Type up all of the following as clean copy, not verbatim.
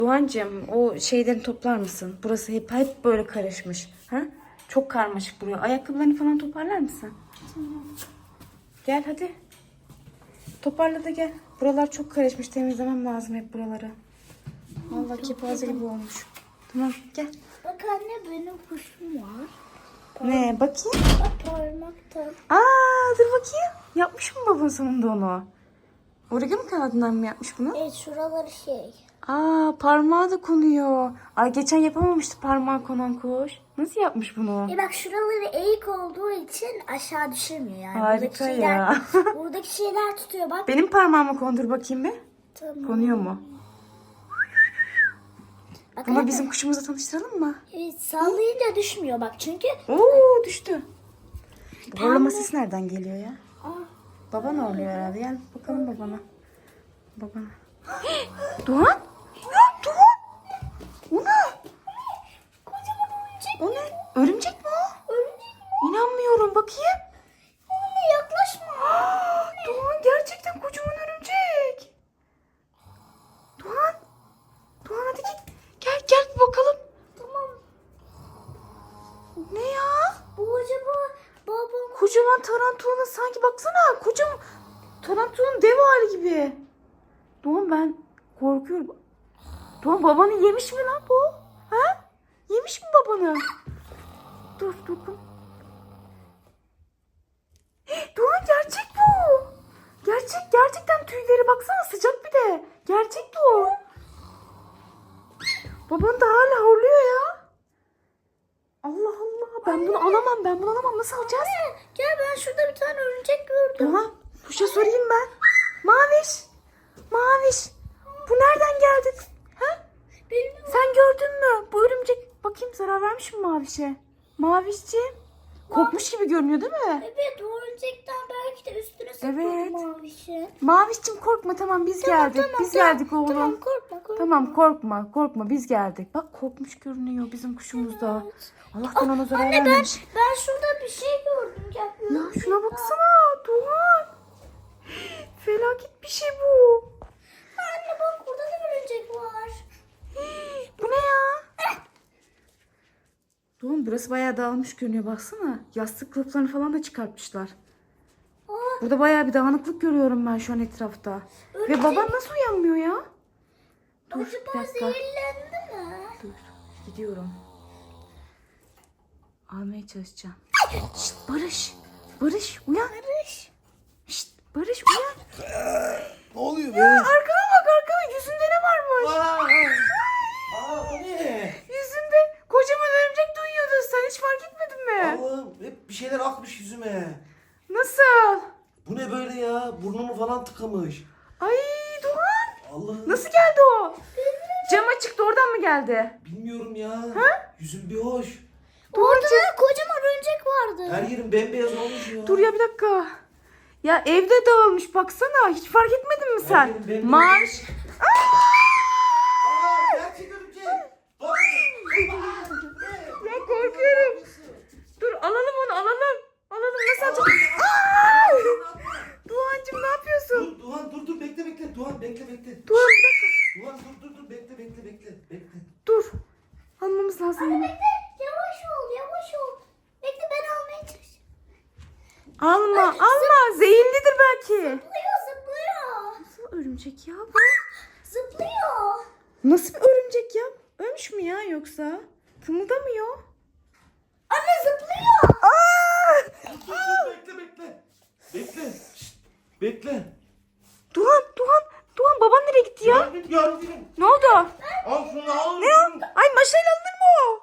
Doğancığım o şeyleri toplar mısın? Burası hep böyle karışmış. Ha? Çok karmaşık buraya. Ayakkabılarını falan toparlar mısın? Gel hadi. Toparla da gel. Buralar çok karışmış. Temizlemem lazım hep buraları. Vallahi kepaze gibi olmuş. Tamam gel. Bak anne benim kuşum var. Ne bakayım? Bak parmakta. Aa dur bakayım. Yapmış mı baban sonunda onu? Origami kağıdından mı yapmış bunu? Evet şuraları şey. Aa parmağı da konuyor. Ay geçen yapamamıştı parmağı konan kuş. Nasıl yapmış bunu? Bak şuraları eğik olduğu için aşağı düşürmüyor yani. Harika ya. Buradaki şeyler tutuyor bak. Benim parmağımı kondur bakayım bir. Tamam. Konuyor mu? Bak, Bunu anne. bizim kuşumuza tanıştıralım mı? Evet sallayınca düşmüyor bak çünkü. Oo düştü. Horlama sesi nereden geliyor ya? Aa, Baban horluyor herhalde. Gel bakalım babana. Babana. Doğan? Doğan! O ne? kocaman örümcek. O ne? Örümcek mi o? Örümcek mi? İnanmıyorum bakayım. Anne yaklaşma. Doğan gerçekten kocaman örümcek. Doğan. Doğan hadi git. Gel bir bakalım. Tamam. Ne ya? Bu acaba babam. Kocaman tarantulanın sanki baksana. Kocaman tarantulanın dev hali gibi. Doğan ben korkuyorum. Doğan babanı yemiş mi lan bu? Ha? Yemiş mi babanı? Dur dokun. Doğan gerçek bu. Gerçekten tüyleri baksana sıcak bir de. Gerçek bu. Baban da hala horluyor ya. Allah Allah ben bunu alamam nasıl alacağız? Gel ben şurada bir tane örümcek gördüm. Doğan kuşa sorayım ben. Maviş bu nereden geldi? Ha? Bilmiyorum. Sen gördün mü? Bu örümcek bakayım zarar vermiş mi Maviş'e? Mavişciğim korkmuş gibi görünüyor değil mi? Evet o örümcekten belki de üstüne Evet. sıkıldı mavişi. Mavişciğim korkma tamam biz geldik. Biz geldik oğlum. Tamam korkma. Tamam korkma biz geldik. Bak korkmuş görünüyor bizim kuşumuz da. Allah'tan ona zarar Anne vermemiş. ben şurada bir şey gördüm. Gel, Ya şuna baksana Doğan. Felaket bir şey bu. Anne bak burada da örümcek var. Bu ne ya? Doğan burası bayağı dağılmış görünüyor baksana. Yastık kılıflarını falan da çıkartmışlar. Aa, Burada bayağı bir dağınıklık görüyorum ben şu an etrafta. Ve baban nasıl uyanmıyor ya? Dur bir acaba dakika. zehirlendi mi? Dur gidiyorum. Almaya çalışacağım. Şşt Barış uyan. Şşt Barış uyan. Ne oluyor be? Arkana bak yüzünde ne varmış? O ne? Yüzünde kocaman örümcek duyuyordu. Sen hiç fark etmedin mi? Allah'ım hep bir şeyler akmış yüzüme. Nasıl? Bu ne böyle ya? Burnumu falan tıkamış. Ay Doğan. Allah'ım. Nasıl geldi o? Cama çıktı oradan mı geldi? Bilmiyorum ya. Yüzüm bir hoş. Orada da kocaman örümcek vardı. Her yerim bembeyaz olmuş ya. Dur ya bir dakika. Ya evde dağılmış baksana. Hiç fark etmedin mi sen? yerim bembeyaz. Marş. Gerçek örümcek. Bak. Ya korkuyorum. Dur alalım onu alalım. Alalım nasıl alacağız? Doğancığım ne yapıyorsun? Dur bekle. Doğan bekle. Doğan bir dakika. Doğan dur bekle. Dur. Almamız lazım bunu. Bekle yavaş ol. Bekle ben almaya çalışıyorum. Alma. Zehirlidir belki. Zıplıyor. Nasıl örümcek ya bu? Zıplıyor. Nasıl bir örümcek ya? Ölmüş mü ya yoksa? Kımıldamıyor. Anne zıplıyor. Dur bekle. Şşt, bekle. Doğan baban nereye gitti ya? Yardım. Ne oldu? Al şunu al. Ne o? Ay maşayla alınır mı o?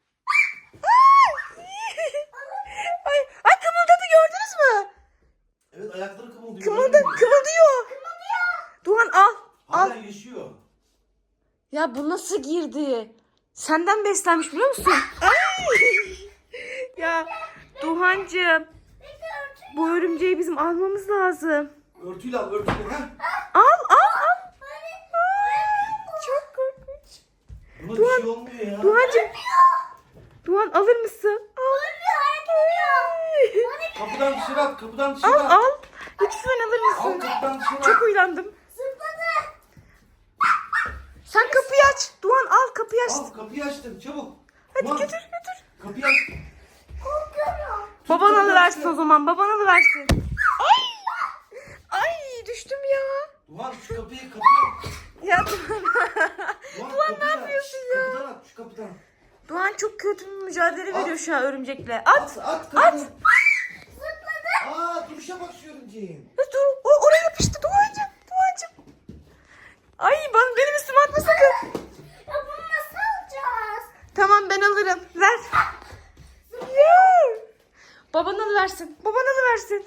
Ay kımıldadı gördünüz mü? Evet ayakları kımıldıyor. Kımıldıyor. Doğan al. Hala yaşıyor. Ya bu nasıl girdi? Senden beslenmiş biliyor musun? Ya Doğancığım. Bu örümceği bizim almamız lazım. Örtüyle al. Ha? Al. Çok korkunç. Buna bir şey olmuyor ya. Doğan alır mısın? Al. Kapıdan dışarı at. Al. Lütfen alır Al mısın? kapıdan dışarı at. Çok uylandım. Zıpladı. Sen kapıyı aç. kapıyı açtı. Al kapıyı açtım çabuk. Hadi Ulan, götür götür. Kapıyı aç. Korkuyorum. Baban kapıyı alıversin açtı. o zaman. Baban alıversin. Ay! Ay düştüm ya. Doğan şu kapıyı aç. Ya Doğan. Doğan ne yapıyorsun ya? Şu kapıdan at şu kapıdan. Doğan çok kötü bir mücadele At. veriyor şu an örümcekle. At. At kapıdan. Aa duruşa bak şu örümceğin. Dur. O oraya yapıştı Doğancığım. Doğancığım. Ay benim üstüme atma sakın. Ya bunu nasıl alacağız? Tamam ben alırım. Ver. Ya. Baban alıversin. Baban alıversin.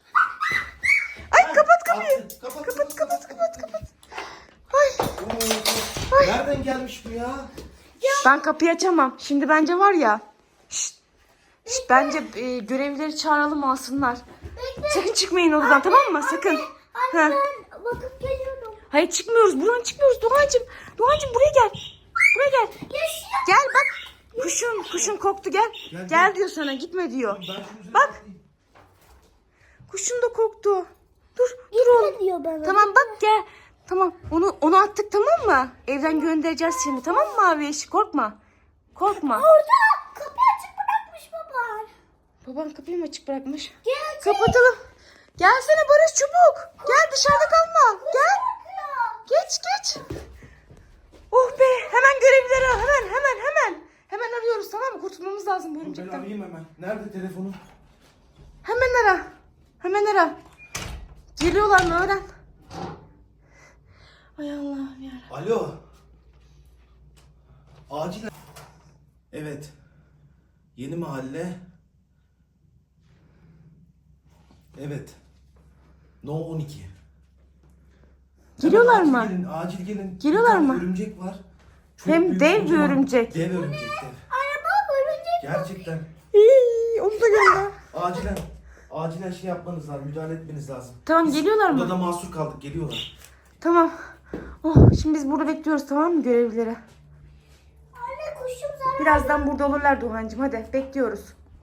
Ay kapat kapıyı. Attı. Kapat. Ay. Oo, nereden gelmiş bu ya? Ben kapıyı açamam. Şimdi bence var ya. Şşt, bence görevlileri çağıralım alsınlar. Bekle. Sakın çıkmayın odadan tamam mı? Sakın. Anne Ha. ben bakıp geliyorum. Hayır çıkmıyoruz. Buradan çıkmıyoruz. Doğancığım. Doğancığım buraya gel. Buraya gel. Yaşıyor. Gel bak. Kuşun koktu gel. Gel. Gel diyor sana gitme diyor. Ben şunun üzerine Bak. atlayayım. Kuşun da koktu. Dur oğlum. Ne diyor bana? Tamam bak gel. Tamam onu attık tamam mı? Evden göndereceğiz şimdi tamam mı abi? Korkma. Korkma. Orada kapıyı açık bırakmış baban. Baban kapıyı mı açık bırakmış? Gelecek. Kapatalım. Gelsene Barış çabuk. Gel dışarıda kalma. Gel. Korkuyor. Geç. Oh be. Hemen görevlileri al. Hemen. Hemen arıyoruz tamam mı? Kurtulmamız lazım bu Dur, ben örümcekten. arayayım hemen. Nerede telefonum? Hemen ara. Geliyorlar mı öğren. Ay Allah'ım ya. Alo. Acil. Evet. Yeni mahalle. Evet. No 12. Geliyorlar Hemen mı? Acil gelin, acil gelin. Geliyorlar Bir tane mı? Örümcek var. Çok Hem büyük, dev bir kocaman. örümcek. Dev örümcek dev. Araba örümcek. Gerçekten. Onu da gönder. Acilen şey yapmanız lazım. Müdahale etmeniz lazım. Tamam, geliyorlar mı? Odada mahsur kaldık. Geliyorlar. Tamam. Oh, şimdi biz burada bekliyoruz tamam mı görevlileri? Anne kuşum zarar. Birazdan burada olurlar Doğancığım hadi bekliyoruz.